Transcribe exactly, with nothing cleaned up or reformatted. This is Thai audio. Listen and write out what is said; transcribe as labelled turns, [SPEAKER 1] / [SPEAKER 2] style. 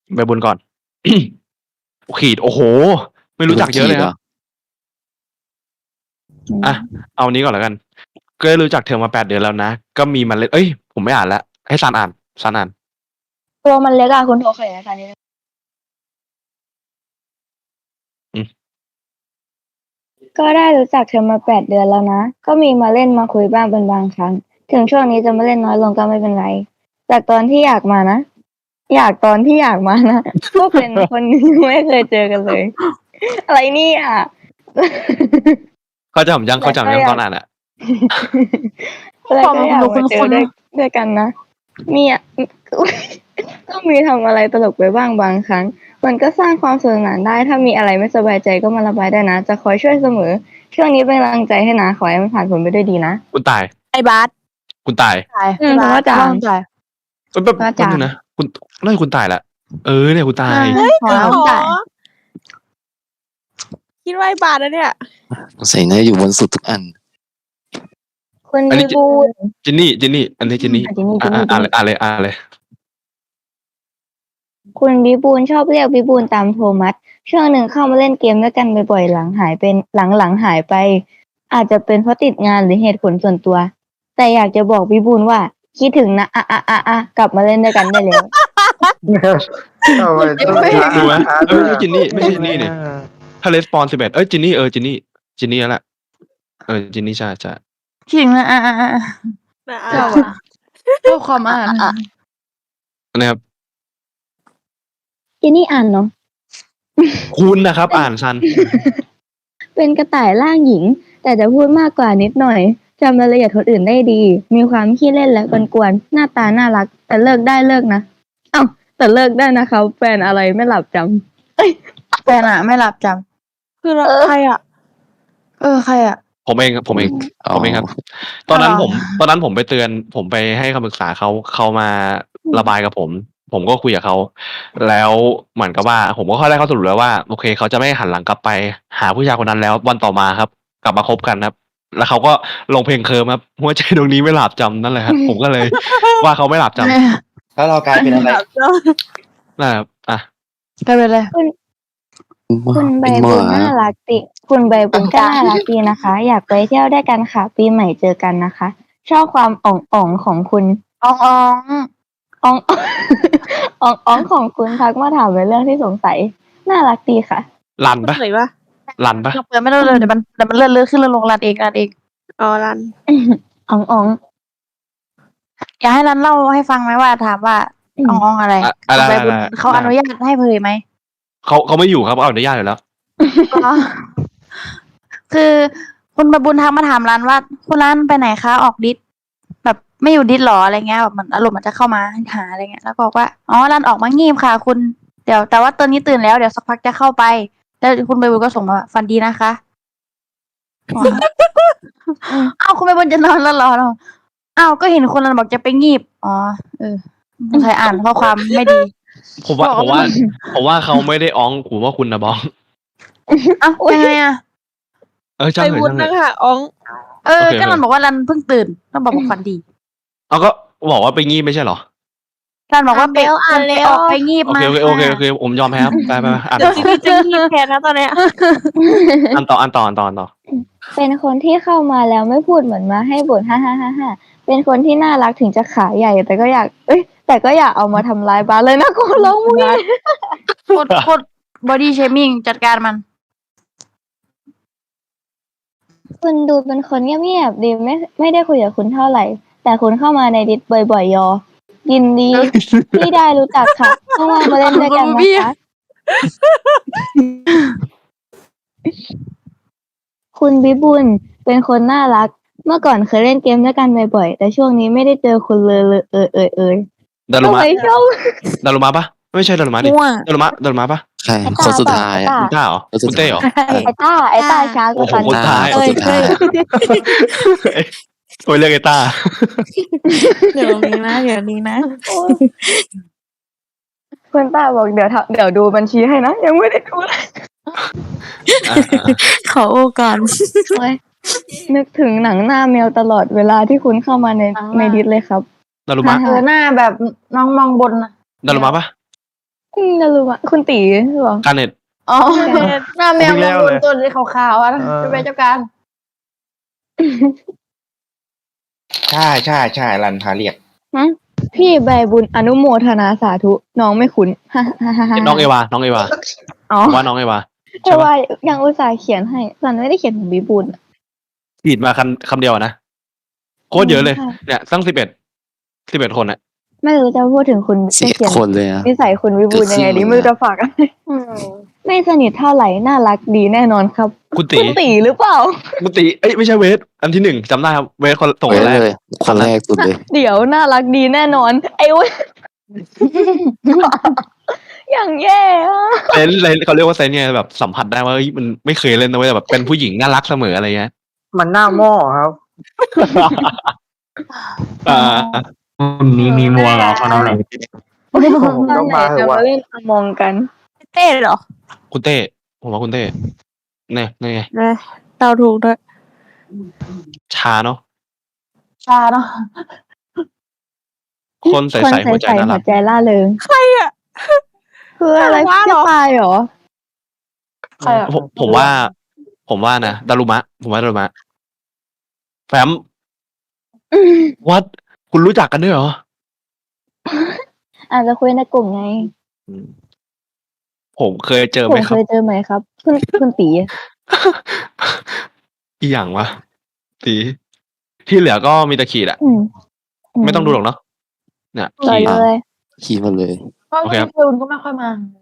[SPEAKER 1] ใบบุญก่อน ขีด โอ้โฮ ไม่รู้จักเยอะเลยครับ อะ เอานี้ก่อนแล้วกัน ก็ได้รู้จักเธอมา แปด เดือนแล้วนะ ก็มีมาเล่น เอ๊ย ผมไม่อ่านแล้ว ให้ซันอ่าน ซันอ่าน
[SPEAKER 2] ตัวมันเล็กอะ คุณโทรขยายการนิดหนึ่ง
[SPEAKER 1] อืม
[SPEAKER 2] ก็ได้รู้จักเธอมา แปด เดือนแล้วนะ ก็มีมาเล่นมาคุยบ้างเป็นบางครั้ง ถึงช่วงนี้จะมาเล่นน้อยลงก็ไม่เป็นไร จากตอนที่อยากมานะ อยากตอนที่อยากมานะ ก็เป็นคนที่ไม่เคยเจอกันเลย อะไรเนี่ย
[SPEAKER 1] เข้าใจผมยัง เข้าใจผมยังตอนอ่านอะ
[SPEAKER 2] แล้วก็อยากมาเจอด้วย ด้วยกันนะ มีอะ อ ก็มีทำอะไรตลกไปบ้างบางครั้ง มันก็สร้างความสนุกสนานได้ ถ้ามีอะไรไม่สบายใจก็มาระบายได้นะ จะคอยช่วยเสมอ ช่วงนี้เป็นกำลังใจให้นะ ขอให้มันผ่านพ้นไปด้วยดีนะ
[SPEAKER 1] คุณตาย
[SPEAKER 3] ไอ้บาส
[SPEAKER 1] คุณตาย
[SPEAKER 2] อืม เพราะว่าจาง
[SPEAKER 3] ใช่
[SPEAKER 1] แป๊บ ๆ แป๊บหนึ่งนะ คุณ น่าจะคุณตายแหละ เออ เนี่ยคุณตาย
[SPEAKER 3] เฮ้ย
[SPEAKER 2] ขอให้คุณตาย
[SPEAKER 3] คิดว่าไอ้บาสนะเนี่ย
[SPEAKER 4] สงสัยน่าจะอยู่บนสุดทุกอัน
[SPEAKER 2] คุณ
[SPEAKER 1] อัน
[SPEAKER 2] บี
[SPEAKER 1] นี้
[SPEAKER 2] บูน
[SPEAKER 1] จินนี่ จินนี่ อันนี้จินนี่
[SPEAKER 2] อ่ะ จินนี่
[SPEAKER 1] อ่า
[SPEAKER 2] จินนี่
[SPEAKER 1] อ่านเลย อ่านเลย อ่านเลย
[SPEAKER 2] คุณบีบูนชอบเรียกบีบูนตามโทมัส ช่วงหนึ่งเข้ามาเล่นเกมด้วยกันบ่อยๆ หลังหายเป็น หลัง ๆ หายไป อาจจะเป็นเพราะติดงานหรือเหตุผลส่วนตัว แต่อยากจะบอกบีบูนว่า คิดถึงนะ อะ ๆ ๆ ๆ กลับมาเล่นด้วยกันได้แล้ว
[SPEAKER 5] ทำไมต้อง
[SPEAKER 1] ดูไหม
[SPEAKER 5] หา
[SPEAKER 1] เอ้ย ไม่ใช่จินนี่ ไม่ใช่จินนี่นี่ ถ้า Respawn สิบเอ็ด เอ้ย จินนี่ เออ จินนี่ จินนี่แล้วแหละ เออ จินนี่ ใช่ ๆ
[SPEAKER 6] ขิงนะอ่ะอ่ะอ่ะ
[SPEAKER 3] นะ
[SPEAKER 6] ชอบอ่ะชอบความอ่าน
[SPEAKER 1] อันนี้ครับ
[SPEAKER 2] จินนี่อ่านเนาะ
[SPEAKER 1] คุณนะครับ อ่านซัน
[SPEAKER 2] เป็นกระต่ายร่างหญิง แต่จะพูดมากกว่านิดหน่อย จำรายละเอียดคนอื่นได้ดี มีความขี้เล่นและกวนๆ หน้าตาน่ารัก แต่เลิกได้เลิกนะ อ้าว แต่เลิกได้นะคะ แฟนอะไรไม่หลับจำ เอ้ย
[SPEAKER 6] แฟนอ่ะ ไม่หลับจ
[SPEAKER 3] คือเราใครอ่ะ
[SPEAKER 6] ำเออ ใครอ่ะ
[SPEAKER 1] ผมเองครับ ผมเอง
[SPEAKER 4] อ๋อ
[SPEAKER 1] ผมเองครับ ตอนนั้น
[SPEAKER 6] อ๋อ
[SPEAKER 1] ผม ตอนนั้นผมไปเตือน ผมไปให้คำปรึกษาเขา เขามาระบายกับผม ผมก็คุยกับเขา แล้วเหมือนกับว่า ผมก็ค่อยได้ข้อสรุปแล้วว่า โอเค เขาจะไม่หันหลังกลับไปหาผู้ชายคนนั้นแล้ว วันต่อมาครับ กลับมาคบกันครับ แล้วเขาก็ลงเพลง Curve ครับ หัวใจดวงนี้ไม่หลับจำ นั่นแหละครับ ผมก็เลย ว่าเขาไม่หลับจำ
[SPEAKER 5] แล้วเรากลายเป็นอะไร
[SPEAKER 1] นั่นแหละครับ อะ
[SPEAKER 6] กลายเป็นอะไร
[SPEAKER 2] คุณใบ
[SPEAKER 4] เป็นห
[SPEAKER 2] บุ
[SPEAKER 4] มา
[SPEAKER 2] ญน่ารักติ คุณใบบุญก็น่ารักดีนะคะ อยากไปเที่ยวด้วยกันค่ะ ปีใหม่เจอกันนะคะ ชอบความอ่องๆของคุณ
[SPEAKER 6] อองออง
[SPEAKER 2] อ่อง อ่องอ่องของคุณทักมาถามเป็นเรื่องที่สงสัย น่ารักดีค่ะ
[SPEAKER 1] รันปะ
[SPEAKER 3] เหนื่อยปะ
[SPEAKER 1] รันปะ
[SPEAKER 6] เปิดไม่ได้เลยเดี๋ยวมันเดี๋ยวมันเลื่อนเลื่อนขึ้นเลื่อนลงรันเองรันเอง
[SPEAKER 3] อ๋อรัน
[SPEAKER 2] อ่องอ่อง
[SPEAKER 6] อยากให้รันเล่าให้ฟังไหมว่าถามว่าอองอองอะไร
[SPEAKER 1] อะอะไร
[SPEAKER 6] ใบบุญ
[SPEAKER 1] อะไร
[SPEAKER 6] เขาอนุญาตให้เผยไหม
[SPEAKER 1] เขาเขาไม่อยู่ครับเขาอนุญาตอยู่แล้ว
[SPEAKER 6] อ๋อคือคุณใบบุญทักมาถามรันว่า คุณรันไปไหนคะออกดิสแบบไม่อยู่ดิสหรออะไรเงี้ยแบบเหมือนอารมณ์มันจะเข้ามาหาอะไรเงี้ยแล้วก็บอกว่าอ๋อรันออกมางีบค่ะ คุณเดี๋ยวแต่ว่าตอนนี้ตื่นแล้วเดี๋ยวสักพักจะเข้าไป แล้วคุณใบบุญก็ส่งมาว่าฝันดีนะคะอ๋ออ้าวคุณใบบุญจะนอนแล้วเหรออ้าวก็เห็นคนรันบอกจะไปงีบอ๋อเออใครอ่านข้อความไม่ดี
[SPEAKER 1] ผมว่า ผมว่า ผมว่าเขาไม่ได้อ้องผมว่าคุณนะบ้อง
[SPEAKER 6] อ้าวยังไงอ่ะ
[SPEAKER 1] เออช่าง
[SPEAKER 3] ไป
[SPEAKER 1] เถอะ
[SPEAKER 3] วุ้น
[SPEAKER 1] ช่างเถ
[SPEAKER 3] นะ
[SPEAKER 1] อะ
[SPEAKER 3] คะอ๋อง
[SPEAKER 6] เออ
[SPEAKER 1] โอเค
[SPEAKER 6] ก็รันบอกว่ารันเพิ่งตื่นต้องบอกว่าฝันดี
[SPEAKER 1] เอาก็บอกว่าไปงีบไม่ใช่เหรอ
[SPEAKER 6] รันบอกว่าไป
[SPEAKER 3] อ่านแล้ว
[SPEAKER 6] ออกไปงีบ
[SPEAKER 1] โอ
[SPEAKER 6] มา
[SPEAKER 1] เคโอเคโอเคโอเคผมยอมแพ้ครับไปไปไปอ่าน
[SPEAKER 3] เดี๋ยวจีจะงีบแทนนะตอนเนี้ย
[SPEAKER 1] อันต่ออันต่ออันต่ออันต่อ
[SPEAKER 2] เป็นคนที่เข้ามาแล้วไม่พูดเหมือนมาให้บ่นฮ่าฮ่าฮ่าฮ่าเป็นคนที่น่ารักถึงจะขาใหญ่ แต่ก็อยาก เอ้ย แต่ก็อยากเอามาทำร้ายบ้านเลยนะกูร้องมึง
[SPEAKER 6] โคตรโคตรบอดี้เชมิ่งจัดการมัน
[SPEAKER 2] คุณดูเป็นคนเงียบๆดีไม่ไม่ได้คุยกับคุณเท่าไหร่ แต่คุณเข้ามาในดิสบ่อยๆยอ ยินดี ที่ได้รู้จักค่ะเข้ามามาเล่นด้วยกันนะคะ คุณบิบุญเป็นคนน่ารัก เมื่อก่อนเคยเล่นเกมด้วยกันบ่อยๆแต่ช่วงนี้ไม่ได้เจอคุณเลยเลยเออเออเออ
[SPEAKER 1] ดารุ
[SPEAKER 2] ทำ
[SPEAKER 1] มะ
[SPEAKER 2] ไมชอบ
[SPEAKER 1] ดารุมะปะไม่ใช่ดารุมะดิ
[SPEAKER 6] มั่ว
[SPEAKER 1] ดารุมะดารุมะปะ
[SPEAKER 4] ใช่คนสุดท้ายอ่ะ
[SPEAKER 1] คุณต้าเหรอ
[SPEAKER 4] คนสุ
[SPEAKER 1] คุ
[SPEAKER 4] ด
[SPEAKER 1] ณเต้เหรอ
[SPEAKER 4] ท้าย
[SPEAKER 2] ไอ้ต้าไอ้ต้าช้าก
[SPEAKER 1] โอ้
[SPEAKER 2] ว่า
[SPEAKER 1] โห
[SPEAKER 2] กัน
[SPEAKER 1] คนท้าย
[SPEAKER 4] คนสุดท้าย
[SPEAKER 1] โอ้ยเรียกไอ้ต้า
[SPEAKER 3] เดี๋ยวนี้นะเดี๋ยวนี้นะ
[SPEAKER 2] คุณต้าบอกเดี๋ยวทำเดี๋ยวดูบัญชีให้นะยังไม่ได้ดูเลย
[SPEAKER 1] อ่ะ
[SPEAKER 3] ขอโอกาส
[SPEAKER 2] โอ้ยนึกถึงหนังหน้าแมวตลอดเวลาที่คุณเข้ามาใน
[SPEAKER 6] หนังหน้า
[SPEAKER 2] ในดิสเลยครับ
[SPEAKER 1] ดารุมะ
[SPEAKER 6] เออหน้าแบบน้องมองบนนะ
[SPEAKER 1] ดารุมะปะ
[SPEAKER 2] อืมนารุมะคุณตีเหรอ
[SPEAKER 1] การเน็ต
[SPEAKER 6] อ๋อ
[SPEAKER 7] หน้าแมวมองบนตัวขาวๆอ่ะนะจะเป็นเจ้าการ
[SPEAKER 5] ใช่ใช่ใช่รันพาเรียก
[SPEAKER 2] ฮะพี่ใบบุญอนุโมทนาสาธุน้องไม่คุ้น ฮ่าฮ่าฮ่าฮ่า
[SPEAKER 1] น้องเอวา น้องเอวา
[SPEAKER 2] อ๋อ
[SPEAKER 1] ผมว่าน้องเอวา
[SPEAKER 2] แต่
[SPEAKER 1] ใช่ปะ
[SPEAKER 2] ว่ายังอุตส่าห์เขียนให้สันไม่ได้เขียนถึงบีบุญอะ
[SPEAKER 1] ขีดมาคำคำเดียวอะนะโคตรเยอะเลย
[SPEAKER 2] ใช่
[SPEAKER 1] เนี่ยตั้งสิบเอ็ดสิบเอ็ดคนอะ
[SPEAKER 2] ไม่รู้จะพูดถึงคุณ
[SPEAKER 4] สิบ
[SPEAKER 2] จะ
[SPEAKER 4] เอ็ด
[SPEAKER 2] เขียน
[SPEAKER 4] คนเลยอะ
[SPEAKER 2] นิสัยคุณวิบูลย์ยังไงดี
[SPEAKER 4] เกือบครึ่ง
[SPEAKER 2] ไม่รู้จะฝากอะไร
[SPEAKER 7] อืม
[SPEAKER 2] ไม่สนิทเท่าไหร่น่ารักดีแน่นอนครับ
[SPEAKER 1] คุณตี
[SPEAKER 2] คุณตีหรือเปล่า
[SPEAKER 1] คุณตีเอ้ยไม่ใช่เวทอันที่หนึ่งจำได้ครับเวทคนส่ง
[SPEAKER 4] เว้
[SPEAKER 1] คน
[SPEAKER 4] ย
[SPEAKER 1] แรก
[SPEAKER 4] เลย คนแรกสุดเลย
[SPEAKER 2] เดี๋ยวน่ารักดีแน่นอน ไอ้เว้ย อย่างแย่อะ
[SPEAKER 1] เซนเลยเขาเรียกว่าเซนเนี่ยแบบสัมผัสได้ว่าเฮ้ยมันไม่เคยเล่นนะเว้ยแต่แบบเป็นผู้หญิงน่ารักเสมออะไรเงี้ย
[SPEAKER 5] มันหน้าหม้อครับ
[SPEAKER 1] อ่า
[SPEAKER 5] มีมีมัวเหรอคนนั้นไหน
[SPEAKER 2] ตอน
[SPEAKER 5] ต้
[SPEAKER 2] ไห
[SPEAKER 5] อน งมาเห
[SPEAKER 2] จะ
[SPEAKER 5] อะวะ
[SPEAKER 2] มาเล่นอมองกัน
[SPEAKER 3] เต้เหรอ
[SPEAKER 1] คุณเต้ผมว่าคุณเต้เนี่ยนี่ไง
[SPEAKER 3] เลยเดาถูกด้วย
[SPEAKER 1] ชาเนาะ
[SPEAKER 6] ชาเนาะ
[SPEAKER 1] คนใส
[SPEAKER 2] คน
[SPEAKER 1] ๆหัวใจ
[SPEAKER 2] ใสๆ
[SPEAKER 1] น่า
[SPEAKER 2] หั
[SPEAKER 1] รั
[SPEAKER 2] ว
[SPEAKER 1] ก
[SPEAKER 2] ใจล่าเริง
[SPEAKER 3] ใครอ่ะ
[SPEAKER 2] คืออะไร
[SPEAKER 3] น่ารัก
[SPEAKER 2] พี่
[SPEAKER 3] เหรอ
[SPEAKER 2] ตายเหรอ
[SPEAKER 7] ใครอ่ะ
[SPEAKER 1] ผมผมว่า ผมว่านะดารุมะ ผมว่าดารุมะแฟมวัดคุณรู้จักกันด้วยเหรอ
[SPEAKER 2] อาจจะคุยในกลุ่มไง
[SPEAKER 1] อืมผมเคยเจอ
[SPEAKER 2] ผ
[SPEAKER 1] ไหม
[SPEAKER 2] ม
[SPEAKER 1] ค
[SPEAKER 2] เครับ ยเจอไหมครับ คุณคุณตี
[SPEAKER 1] อีหยังวะตีที่เหลือก็มีแตะขีดอะ
[SPEAKER 2] อืม
[SPEAKER 1] ไม่ต้องดูหรอกเนาะเนี่ย
[SPEAKER 2] ต่อ
[SPEAKER 1] ขีด
[SPEAKER 2] เลย
[SPEAKER 4] ขี่มาเลย
[SPEAKER 7] เพราะ
[SPEAKER 1] โอเคครับ
[SPEAKER 7] พี่คุณก็ไม่ค่อยมา